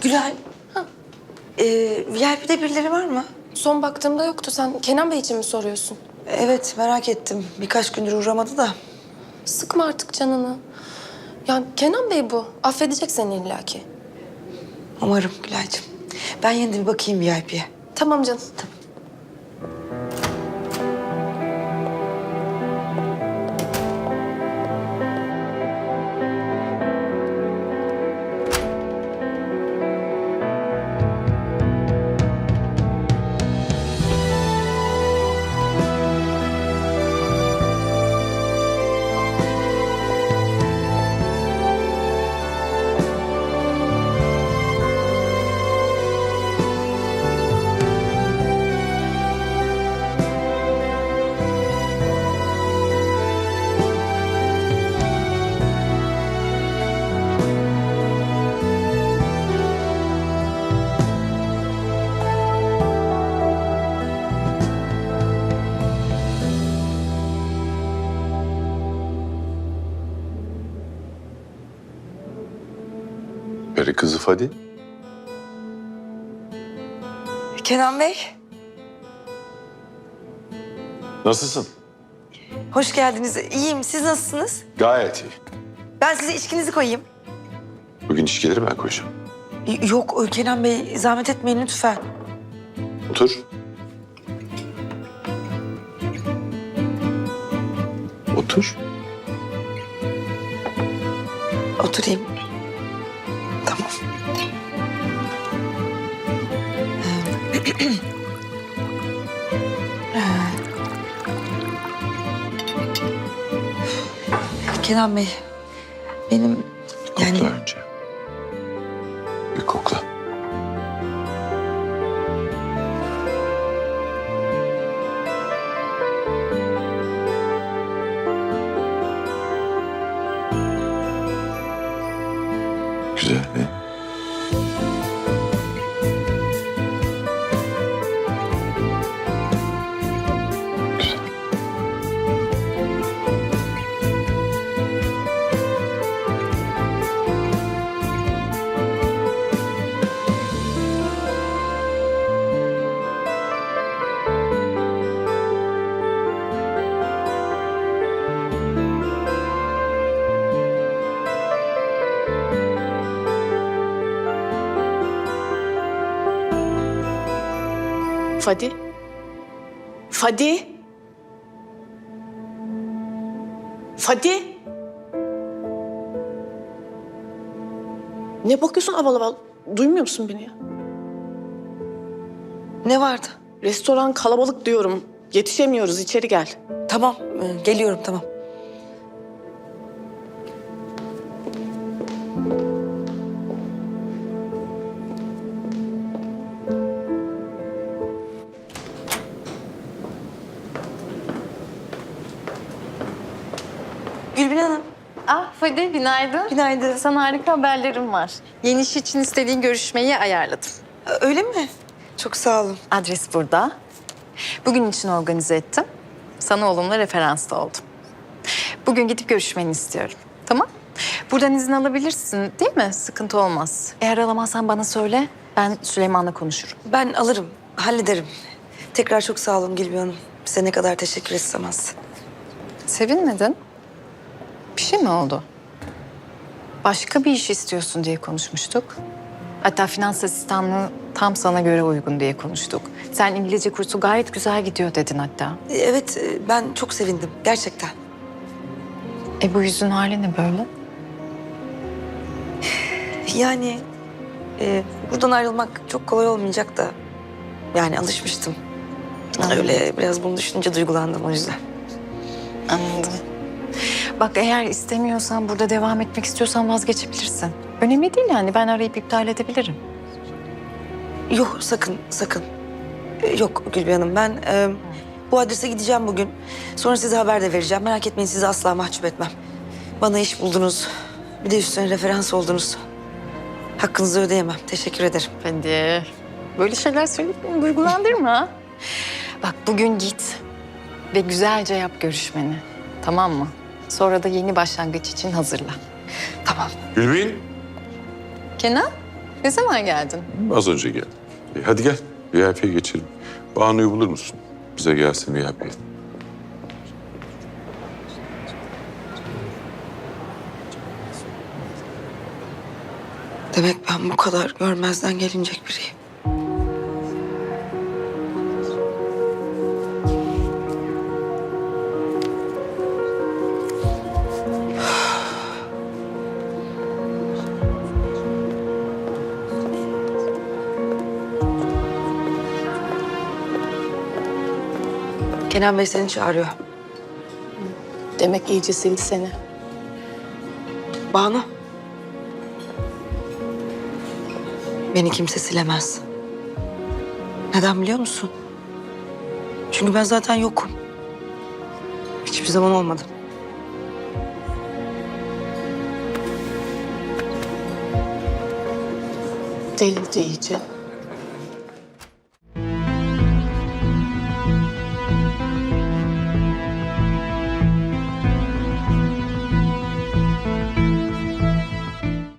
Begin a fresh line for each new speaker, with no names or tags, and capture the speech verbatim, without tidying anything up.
Gülay, ee, V I P'de birileri var mı?
Son baktığımda yoktu. Sen Kenan Bey için mi soruyorsun?
Evet, merak ettim. Birkaç gündür uğramadı da.
Sıkma artık canını. Ya Kenan Bey bu. Affedecek seni illaki.
Umarım Gülay'cığım. Ben yine de bir bakayım V I P'ye.
Tamam canım.
Tamam.
Peri kızı Fadi.
Kenan Bey,
Nasılsın?
hoş geldiniz. İyiyim. Siz nasılsınız?
Gayet iyi.
Ben size içkinizi koyayım.
Bugün içkileri ben koyacağım.
Y- Yok Kenan Bey, zahmet etmeyin lütfen.
Otur. Otur.
Oturayım. Tamam. Kenan Bey, benim yani...
Kokla önce. Bir kokla. Güzel, ne? Güzel.
Fadi? Fadi? Fadi? Ne bakıyorsun aval aval? Duymuyor musun beni ya?
Ne vardı?
Restoran kalabalık diyorum. Yetişemiyoruz, içeri gel.
Tamam, e, geliyorum tamam. Gülbin Hanım,
Ah Fadi, günaydın.
günaydın.
Sana harika haberlerim var. Yeni iş için istediğin görüşmeyi ayarladım.
Öyle mi? Çok sağ olun.
Adres burada. Bugün için organize ettim. Sana olumlu referans da oldum. Bugün gidip görüşmeni istiyorum. Tamam? Buradan izin alabilirsin değil mi? Sıkıntı olmaz. Eğer alamazsan bana söyle. Ben Süleyman'la konuşurum.
Ben alırım, hallederim. Tekrar çok sağ olun Gülbin Hanım. Size ne kadar teşekkür etsem az.
Sevinmedin. Bir şey mi oldu? Başka bir iş istiyorsun diye konuşmuştuk. Hatta finans asistanlığı tam sana göre uygun diye konuştuk. Sen İngilizce kursu gayet güzel gidiyor dedin hatta.
E, Evet, e, ben çok sevindim gerçekten.
E bu yüzün hali ne böyle?
Yani e, buradan ayrılmak çok kolay olmayacak da... Yani alışmıştım. Öyle biraz bunu düşününce duygulandım o yüzden.
Anladım. Bak eğer istemiyorsan, burada devam etmek istiyorsan vazgeçebilirsin. Önemli değil yani, ben arayıp iptal edebilirim.
Yok sakın, sakın. E, Yok Gülbin Hanım, ben e, bu adrese gideceğim bugün. Sonra size haber de vereceğim. Merak etmeyin, sizi asla mahcup etmem. Bana iş buldunuz. Bir de üstüne referans oldunuz. Hakkınızı ödeyemem. Teşekkür ederim.
Hadi. Böyle şeyler söyleyip beni duygulandırma. Bak bugün git ve güzelce yap görüşmeni. Tamam mı? Sonra da yeni başlangıç için hazırla.
Tamam.
Gülbin.
Kenan? Ne zaman geldin?
Az önce geldim. E, hadi gel. V I P'ye geçelim. Banu'yu bulur musun? Bize gelsin V I P'ye.
Demek ben bu kadar görmezden gelinecek biriyim. Kenan Bey seni çağırıyor.
Demek iyice sildi seni.
Banu. Beni kimse silemez. Neden biliyor musun? Çünkü ben zaten yokum. Hiçbir zaman olmadım.
Delirdi iyice.